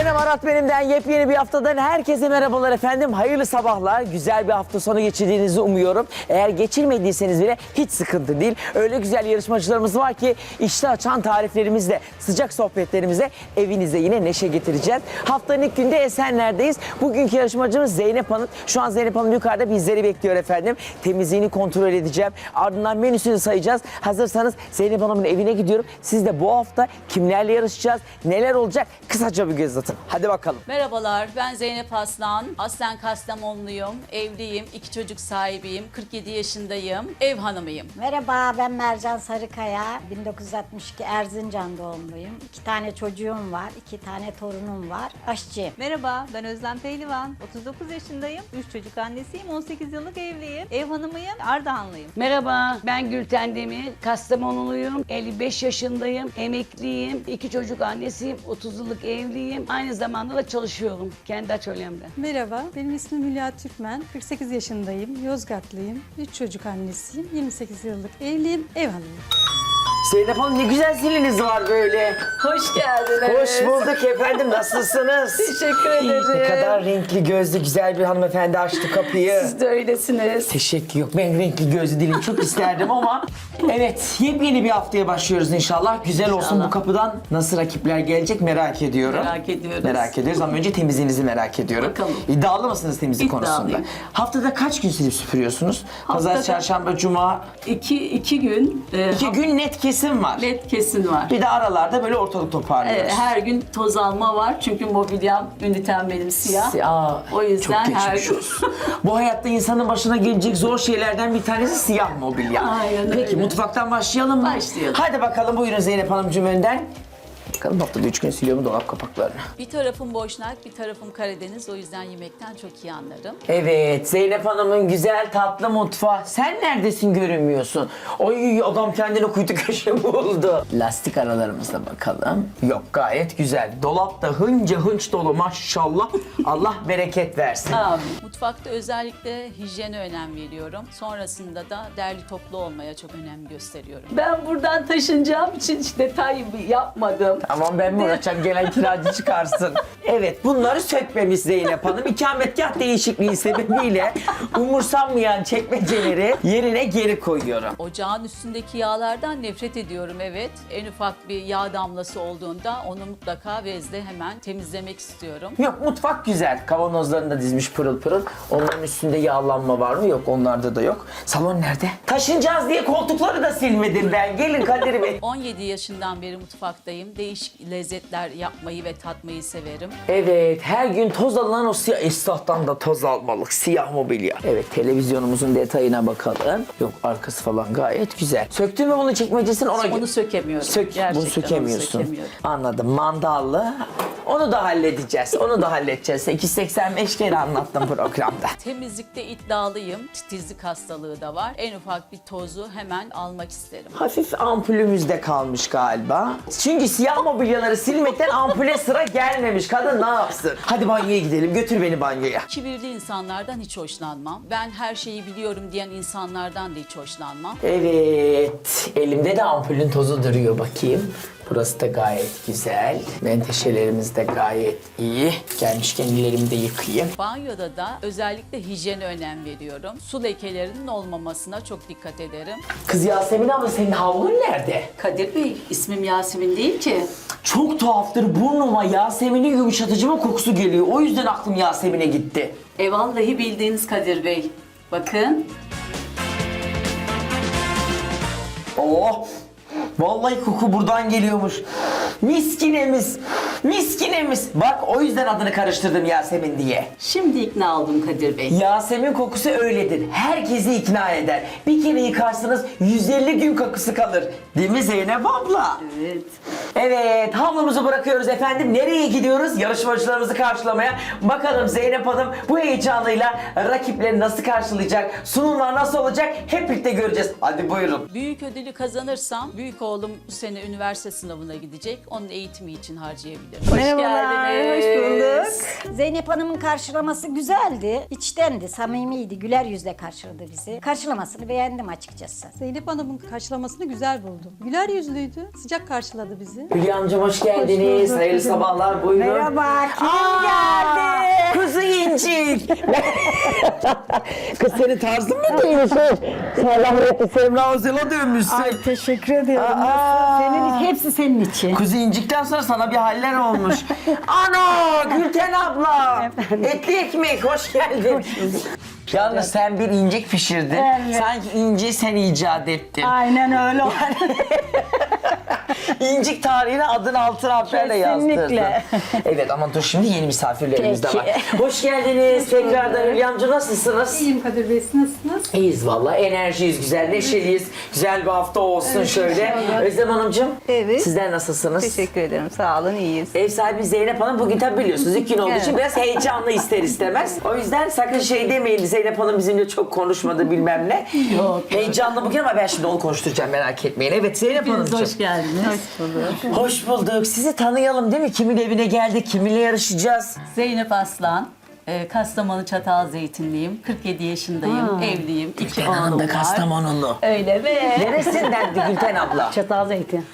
Zeynep Arat benimden yepyeni bir haftadan herkese merhabalar efendim. Hayırlı sabahlar. Güzel bir hafta sonu geçirdiğinizi umuyorum. Eğer geçirmediyseniz bile hiç sıkıntı değil. Öyle güzel yarışmacılarımız var ki işte açan tariflerimizle, sıcak sohbetlerimizle evinize yine neşe getireceğiz. Haftanın ilk günde Esenler'deyiz. Bugünkü yarışmacımız Zeynep Hanım. Şu an Zeynep Hanım yukarıda bizleri bekliyor efendim. Temizliğini kontrol edeceğim. Ardından menüsünü sayacağız. Hazırsanız Zeynep Hanım'ın evine gidiyorum. Siz de bu hafta kimlerle yarışacağız, neler olacak kısaca bir göz atın. Hadi bakalım. Merhabalar, ben Zeynep Aslan. Aslen Kastamonluyum, evliyim, 2 çocuk sahibiyim, 47 yaşındayım, ev hanımıyım. Merhaba, ben Mercan Sarıkaya. 1962 Erzincan doğumluyum. 2 tane çocuğum var, 2 tane torunum var. Aşçıyım. Merhaba, ben Özlem Pehlivan. 39 yaşındayım, 3 çocuk annesiyim, 18 yıllık evliyim, ev hanımıyım, Ardahanlıyım. Merhaba, ben Gülten Demir, Kastamonuluyum, 55 yaşındayım, emekliyim, 2 çocuk annesiyim, 30 yıllık evliyim, aynı zamanda da çalışıyorum kendi atölyemde. Merhaba, benim ismim Hülya Türkmen. 48 yaşındayım, Yozgatlıyım, 3 çocuk annesiyim, 28 yıllık evliyim, ev hanımıyım. Zeynep Hanım ne güzel ziliniz var böyle. Hoş geldiniz. Hoş bulduk efendim. Nasılsınız? Teşekkür ederim. Ne kadar renkli gözlü güzel bir hanımefendi açtı kapıyı. Siz de öylesiniz. Teşekkür yok. Ben renkli gözlü değilim. Çok isterdim ama. Evet. Yepyeni bir haftaya başlıyoruz inşallah. Güzel olsun İnşallah. bu kapıdan. Nasıl rakipler gelecek merak ediyorum. Merak ediyoruz. Merak ediyoruz ama önce temizliğinizi merak ediyorum. Bakalım. İddialı mısınız temizlik İddialıyım. konusunda? Haftada kaç gün silip süpürüyorsunuz? Pazar, çarşamba, cuma. İki gün 2 gün net kesim var. led kesin var. Bir de aralarda böyle ortalık toparlıyoruz. Her gün toz alma var çünkü mobilyam, ünitem benim siyah. Aa, O yüzden çok her geçmiş gün. olsun. Bu hayatta insanın başına gelecek zor şeylerden bir tanesi siyah mobilya. Aynen Peki öyle. mutfaktan başlayalım mı? Başlayalım. Hadi bakalım buyurun Zeynep Hanımcığım önden. Bakalım haftada 3 gün siliyor mu dolap kapaklarını? Bir tarafım Boşnak, bir tarafım Karadeniz. O yüzden yemekten çok iyi anlarım. Evet Zeynep Hanım'ın güzel tatlı mutfağı. Sen neredesin görünmüyorsun? Ay adam kendine kuytu köşe buldu. Lastik aralarımıza bakalım. Yok gayet güzel. Dolapta hınca hınç dolu maşallah. Allah bereket versin. Mutfakta özellikle hijyene önem veriyorum. Sonrasında da derli toplu olmaya çok önem gösteriyorum. Ben buradan taşınacağım için hiç detay yapmadım. Tamam ben mi uğraşacağım gelen kiracı çıkarsın. Evet bunları sökmemiş Zeynep Hanım. İkametgah değişikliği sebebiyle umursanmayan çekmeceleri yerine geri koyuyorum. Ocağın üstündeki yağlardan nefret ediyorum, evet. En ufak bir yağ damlası olduğunda onu mutlaka bezle hemen temizlemek istiyorum. Yok mutfak güzel. Kavanozlarını da dizmiş pırıl pırıl. Onların üstünde yağlanma var mı? Yok onlarda da yok. Salon nerede? Taşınacağız diye koltukları da silmedim ben. Gelin Kadir Bey. 17 yaşından beri mutfaktayım. Değişik lezzetler yapmayı ve tatmayı severim. Evet her gün toz alınan o siyah esnaftan da toz almalık siyah mobilya. Evet televizyonumuzun detayına bakalım. Yok arkası falan gayet güzel. Söktün mü bunu çekmecesini ona Onu sökemiyorum. Bunu Onu sökemiyorsun. sökemiyorum. Anladım. Mandallı. Onu da halledeceğiz. Onu da halledeceğiz. 285 kere anlattım programda. Temizlikte iddialıyım. Titizlik hastalığı da var. En ufak bir tozu hemen almak isterim. Hafif ampulümüzde kalmış galiba. Çünkü siyah mobilyaları silmekten ampule sıra gelmemiş. Kadın ne yapsın? Hadi banyoya gidelim. Götür beni banyoya. Kibirli insanlardan hiç hoşlanmam. Ben her şeyi biliyorum diyen insanlardan da hiç hoşlanmam. Evet. Elimde de ampulün tozu duruyor bakayım. Burası da gayet güzel. Menteşelerimiz de gayet iyi. Gelmişken ellerimi de yıkayayım. Banyoda da özellikle hijyene önem veriyorum. Su lekelerinin olmamasına çok dikkat ederim. Kız Yasemin abla senin havlun nerede? Kadir Bey, ismim Yasemin değil ki. Çok tuhaftır burnuma Yasemin'in yumuşatıcı mı kokusu geliyor. O yüzden aklım Yasemin'e gitti. Vallahi bildiğiniz Kadir Bey. Bakın. Oh! Vallahi koku buradan geliyormuş. Miskinemiz, miskinemiz. Bak o yüzden adını karıştırdım Yasemin diye. Şimdi ikna oldum Kadir Bey. Yasemin kokusu öyledir. Herkesi ikna eder. Bir kere yıkarsınız 150 gün kokusu kalır. Değil mi Zeynep abla? Evet. Evet, havlumuzu bırakıyoruz efendim. Nereye gidiyoruz? Yarışmacılarımızı karşılamaya. Bakalım Zeynep Hanım bu heyecanıyla rakipleri nasıl karşılayacak? Sunumlar nasıl olacak? Hep birlikte göreceğiz. Hadi buyurun. Büyük ödülü kazanırsam büyük oğlum bu sene üniversite sınavına gidecek. Onun eğitimi için harcayabilirim. Hoş Merhabalar, geldiniz. hoş bulduk. Zeynep Hanım'ın karşılaması güzeldi. İçtendi, samimiydi. Güler yüzle karşıladı bizi. Karşılamasını beğendim açıkçası. Zeynep Hanım'ın karşılamasını güzel buldum. Güler yüzlüydü, sıcak karşıladı bizi. Hülya amcam hoş geldiniz. Hoş bulduk. Hayırlı sabahlar. Buyurun. Merhaba, kim Aa, geldi? Kuzu incik. Kız senin tarzın mı değilmiş? Sen rahmetli Semra Özel'e dönmüşsün. Ay teşekkür ediyorum. Aa. Senin, hepsi senin için. Kuzu incikten sonra sana bir haller olmuş. Ana Gülten abla. Etli ekmek hoş geldin. Yalnız sen bir incik pişirdin. Evet. Sanki inciyi sen icat ettin. Aynen öyle. İncik tarihine adını altın harflerle yazdırdın. Kesinlikle. Evet ama dur şimdi yeni misafirlerimiz de Peki. var. Hoş geldiniz. Tekrardan Hülya amca nasılsınız? İyiyim Kadir Bey, siz nasılsınız? İyiyiz valla. Enerjiyiz, güzel, neşeliyiz. Güzel bir hafta olsun şöyle. Özlem Hanımcığım. Evet. Sizler nasılsınız? Teşekkür ederim. Sağ olun, iyiyiz. Ev sahibi Zeynep Hanım bugün tabii biliyorsunuz ilk gün olduğu için Evet. biraz heyecanlı ister istemez. O yüzden sakın şey demeyin Zeynep Hanım bizimle çok konuşmadı bilmem ne. Yok. Heyecanlı bugün ama ben şimdi onu konuşturacağım merak etmeyin. Evet Zeynep Hanımcığım. Hoş geldiniz. Hoş bulduk. Sizi tanıyalım değil mi? Kimin evine geldik, kiminle yarışacağız? Zeynep Aslan. Kastamonu Çatalzeytinliyim. 47 yaşındayım. Evliyim. 2 Gülten oğlum Hanım da var. Kastamonulu. Öyle mi? Neresindendi Gülten abla? Çatalzeytin.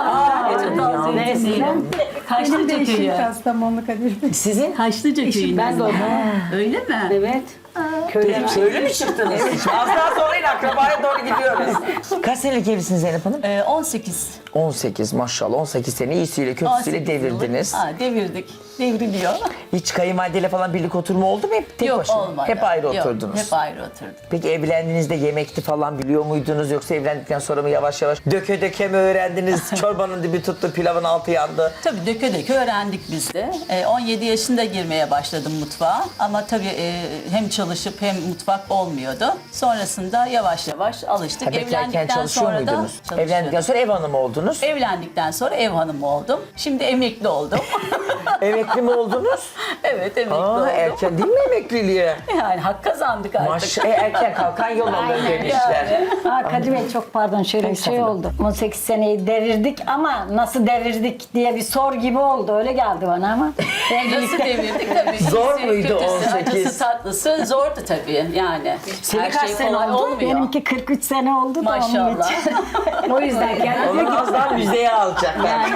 Çatalzeytinliyim. Kaşlıca köyü. Kastamonu Kadir Bey. Sizin? Kaşlıca köyü. Ben de oradayım. Öyle mi? Evet. Köyden. Öyle mi çıktınız? Az daha sonra yine akrabaya doğru gidiyoruz. Kaç senelik evlisiniz Zeynep Hanım? 18. 18 maşallah. 18 sene iyisiyle kötüsüyle 18 yıllık. devirdiniz. Devirdik. Devriliyor. Hiç kayınvalideyle falan birlik oturma oldu mu? Hep tek Yok başına? olmadı. Hep ayrı Yok, oturdunuz. Hep ayrı oturduk. Peki evlendiğinizde yemekti falan biliyor muydunuz? Yoksa evlendikten sonra mı yavaş yavaş döke döke mi öğrendiniz? Çorbanın dibi tuttu, pilavın altı yandı. Tabii döke döke öğrendik biz de. 17 yaşında girmeye başladım mutfağa. Ama tabii hem çalışıp hem mutfak olmuyordu. Sonrasında yavaş yavaş alıştık. Ha, bekarken çalışıyor sonra da muydunuz? çalışıyordum. Evlendikten sonra ev hanımı oldunuz. Evlendikten sonra ev hanımı oldum. Şimdi emekli oldum. Emekli mi oldunuz? Evet emekli Aa, oldum. erken değil mi emekliliğe? Yani hak kazandık artık. Maşallah erken kalkan yol alır demişler. Kadir Bey çok pardon şöyle bir şey oldu. 18 seneyi devirdik ama nasıl devirdik diye bir sor gibi oldu. Öyle geldi bana ama. Nasıl devirdik tabii. Zor İyisi, muydu kötüsü, 18? Acısı tatlısı zordu tabii yani. Senin Her kaç şey sene kolay oldu? olmuyor. Benimki 43 sene oldu da onun Maşallah. için. O yüzden kendimi Onu az daha müzeye alacaklar.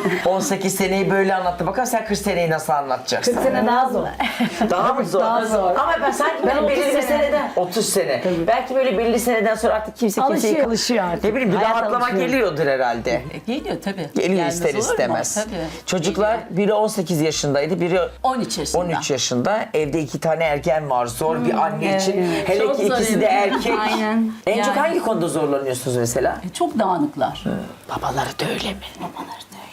18 seneyi böyle anlattı. Bakalım sen 40 seneyi nasıl anlatacaksın? 40 sene daha zor. Daha mı zor? Daha zor. Ama ben sanki ben 30 belirli bir sene. seneden 30 sene. Belki böyle belirli seneden sonra artık kimse kimseyi Alışıyor artık. ne bileyim bir Hayat rahatlama alışıyor. geliyordur herhalde. Geliyor tabii. Geliyor Gelmez ister olur mu? istemez. Tabii. Çocuklar biri 18 yaşındaydı, biri 13 yaşında. 13 yaşında. Evde 2 tane ergen var. Zor bir anne için. Hele Çok ki zor ikisi de evet. erkek. Aynen. En çok Yani- hangi konuda zorlanıyorsunuz mesela? Çok dağınıklar. Babaları da öyle mi? Babalar da öyle.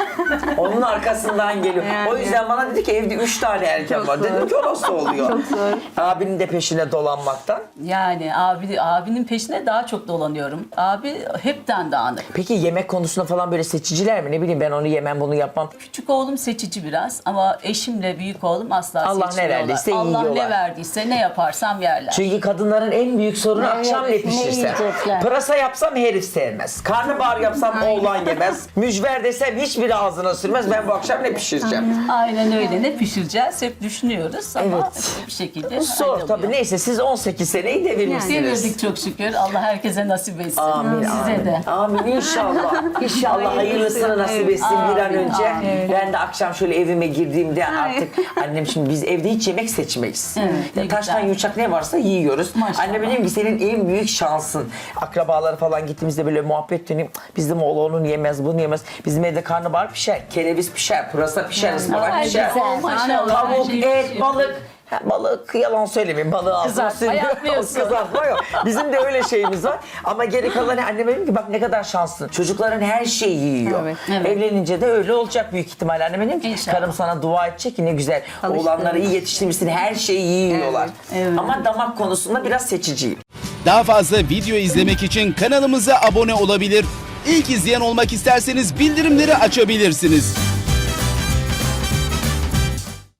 Onun arkasından geliyor. O yüzden bana dedi ki evde 3 tane erken var. Dedim ki o nasıl oluyor? Çok zor. Abinin de peşine dolanmaktan. Yani abinin peşine daha çok dolanıyorum. Abi hepten dağınık. Peki yemek konusunda falan böyle seçiciler mi? Ne bileyim ben onu yemem bunu yapmam. Küçük oğlum seçici biraz ama eşimle büyük oğlum asla Allah ne seçmiyorlar. verdiyse Allah yiyorlar. ne verdiyse ne yaparsam yerler. Çünkü kadınların en büyük sorunu Evet, akşam ne ne pişirsem. yiyecekler? Pırasa yapsam herif sevmez. Karnabahar yapsam oğlan yemez. Mücver desem hiçbiri ağzına sürmez. Ben bu akşam ne pişireceğim? Aynen öyle. Ne pişireceğiz hep düşünüyoruz ama Evet. bir şekilde Zor halloluyor. tabii. Neyse siz 18 seneyi devirmişsiniz. Devirdik çok şükür. Allah herkese nasip etsin. Amin. Size amin. de. Amin inşallah. İnşallah hayırlısını nasip etsin bir an Amin, önce. amin. Ben de akşam şöyle evime girdiğimde artık annem şimdi biz evde hiç yemek seçmeyiz. Evet, ne Ya taştan güzel. yumuşak ne varsa yiyoruz. Maşallah. Annem dedim ki senin en büyük şansın. Akrabaları falan gittiğimizde böyle muhabbet döneyim. Bizim oğlu onu yemez, bunu yemez. Bizim evde karnabahar pişer, kereviz pişer, pırasa pişer, ıspanak Ay, pişer. güzel, maşallah, her Tavuk, şey et, pişiyor. balık. Ha, balık yalan söylemeyeyim balığı ağzına Kızartma yapmıyorsun. Kızartma yok. Bizim de öyle şeyimiz var. Ama geri kalanı anneme dedim ki bak ne kadar şanslısın. Çocukların her şeyi yiyor. Evet, evet. Evlenince de öyle olacak büyük ihtimalle. Anneme dedim ki İnşallah. karım sana dua edecek ki ne güzel. Oğlanları iyi yetiştirmişsin her şeyi yiyorlar. Ama damak konusunda biraz seçiciyim. Daha fazla video izlemek için kanalımıza abone olabilir. İlk izleyen olmak isterseniz bildirimleri açabilirsiniz.